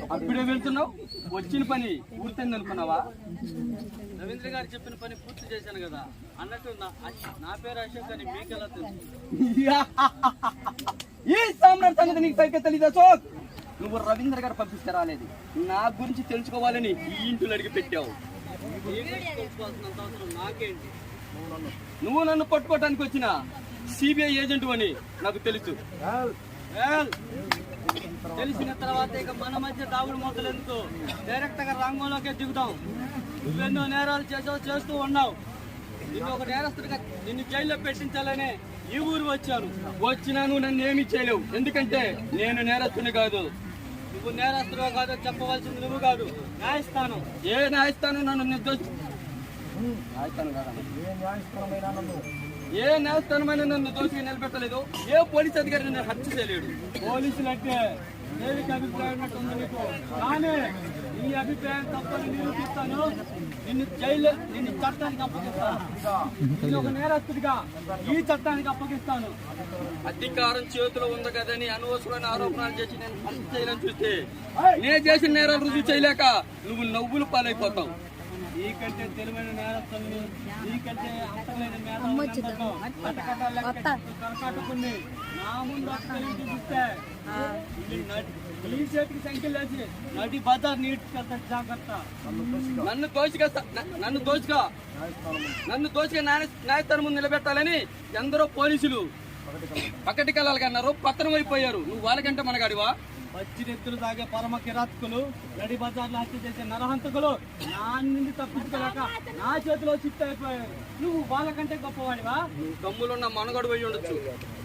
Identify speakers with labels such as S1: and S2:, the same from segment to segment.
S1: అప్పుడే వెళ్తున్నావు? వచ్చిన పని పూర్తయింది అనుకున్నావా? రవీంద్ర గారు చెప్పిన పని పూర్తి చేశాను కదా అన్నట్టు నా పేరు అశోక్ అని మీకెలా తెలుసు? ఈ సామ్రాట్ సంగతి నీకు సరిగ్గా తెలీదు అశోక్. నువ్వు రవీంద్ర గారు పంపిస్తే రాలేదు, నా గురించి తెలుసుకోవాలని ఈ ఇంట్లో అడిగి పెట్టావు. తెలుసుకోవాల్సినంత అవసరం నాకేంటి? నువ్వు నన్ను పట్టుకోవటానికి వచ్చిన సిబిఐ ఏజెంట్ అని నాకు తెలుసు. తెలిసిన తర్వాత ఇక మన మధ్య దాగుడు మూతలు ఎందుకు, డైరెక్ట్ గా రంగంలోకే దిగుతాం. నువ్వెన్నో నేరాలు చేస్తూ ఉన్నావు. నిన్ను ఒక నేరస్తుడిగా నిన్ను జైల్లో పెట్టించాలనే ఈ ఊరు వచ్చాను. వచ్చినా నువ్వు నన్ను ఏమీ చేయలేవు, ఎందుకంటే నేను నేరస్తుని కాదు. నువ్వు నేరస్తుడు కాదు చెప్పవలసింది నువ్వు కాదు, న్యాయస్థానం. ఏ న్యాయస్థానం నన్ను ఏ న్యాయస్థానమైన నన్ను దోషిగా నిలబెట్టలేదు. ఏ పోలీస్ అధికారి నన్ను హత్య చేయలేడు. పోలీసులు అంటే దేనికి అభిప్రాయం ఉంది నీకు? కానీ నీ అభిప్రాయం తప్పని నిరూపిస్తాను. నిన్ను చట్టానికి అప్పగిస్తాను. నేను ఒక నేరస్తుడిగా ఈ చట్టానికి అప్పగిస్తాను. అధికారం చేతిలో ఉంది కదని అనవసరమైన ఆరోపణలు చేసి నేను హత్య చేయాలని చూస్తే నేను చేసిన నేరాలు రుజువు చేయలేక నువ్వు నవ్వులు పాలైపోతావు. నీకంటే తెలివైన నేరస్తుల్ని, నీకంటే అంతమైన కరకాటుకుని నా ముందు చూస్తే నీ చేతికి సంఖ్యలు వేసి నడి బజార్ నీటికి జాగ్రత్త. నన్ను దోచుగా న్యాయస్థానం ముందు నిలబెట్టాలని ఎందరో పోలీసులు పక్కటికెళ్ళాలి అన్నారు, పత్రం అయిపోయారు. నువ్వు వాళ్ళకంటే మనగాడివా? పచ్చిరెత్తులు తాగే పరమ కిరాతకులు, నడి బజార్లో హత్య చేసే నరహంతకులు నా నుండి తప్పించుకోలేక నా చేతిలో చిత్త అయిపోయారు. నువ్వు వాళ్ళకంటే గొప్పవాడివా? నువ్వు తమ్ములున్న మనగాడు పోయి ఉండొచ్చు.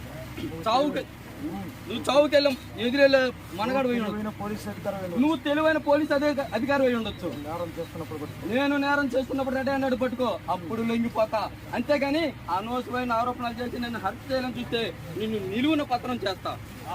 S1: నువ్వు చావుకెళ్ళం ఎదురెళ్ళే మనగాడు పోయి ఉండొచ్చు. నువ్వు తెలివైన పోలీస్ అధికారి పోయి ఉండొచ్చు. నేను నేరం చేస్తున్నప్పుడు రెడీ అన్నాడు పట్టుకో, అప్పుడు లొంగిపోతా. అంతేగాని అనవసరమైన ఆరోపణలు చేసి నేను హత్య చేయాలని చూస్తే నిన్ను నిలువున పత్రం చేస్తా.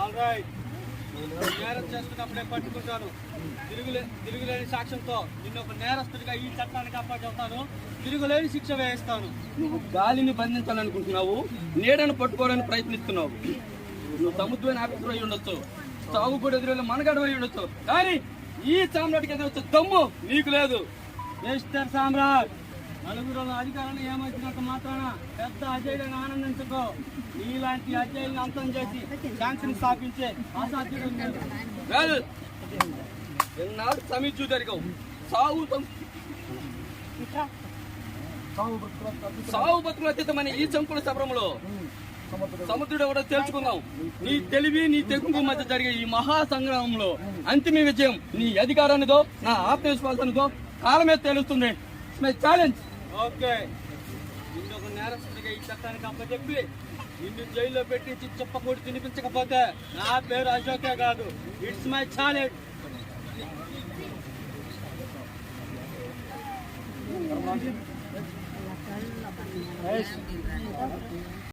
S1: నేరం చేస్తున్నప్పుడే పట్టుకుంటాను. తిరుగులేని సాక్ష్యంతో నిన్ను ఒక నేరస్తుడిగా ఈ చట్టానికి అప్పచెప్తాను. తిరుగులేని శిక్ష వేయిస్తాను. నువ్వు గాలిని బంధించాలనుకుంటున్నావు, నీడను పట్టుకోవాలని ప్రయత్నిస్తున్నావు. నువ్వు సముద్రమైన ఆఫీసర్ అయి ఉండొచ్చు, చావు కూడా ఎదురు మనగాడు అయి ఉండొచ్చు, కానీ ఈ సామ్రాట్కి ఎదురొచ్చే దమ్ము నీకు లేదు. మిస్టర్ సామ్రాట్, నలుగురు అధికారులను ఏమొచ్చినంత మాత్రాన పెద్ద అజయులను ఆనందించుకో. నీలాంటి అజయులను అంతం చేసి శాంతిని స్థాపించే అసాధ్యుడు కాదు. ఎన్నాడు సమీక్ష జరిగావు. సావు బతుకుల అతీతమైన ఈ చంపుల సభరంలో సముద్రుడు ఎవడో తెలుసుకుందాం. నీ తెలివి నీ తెగుకు మధ్య జరిగే ఈ మహా సంగ్రామంలో అంతిమ విజయం నీ అధికారానిదో నా ఆత్మవిశ్వాసానిదో కాలమే తెలుస్తుంది. ఛాలెంజ్. ఓకే, నిన్ను ఒక నేరస్తుడిగా ఈ చట్టానికి అప్పచెప్పి నిన్ను జైల్లో పెట్టించి చెప్పకూడి తినిపించకపోతే నా పేరు అశోకే కాదు. It's my challenge.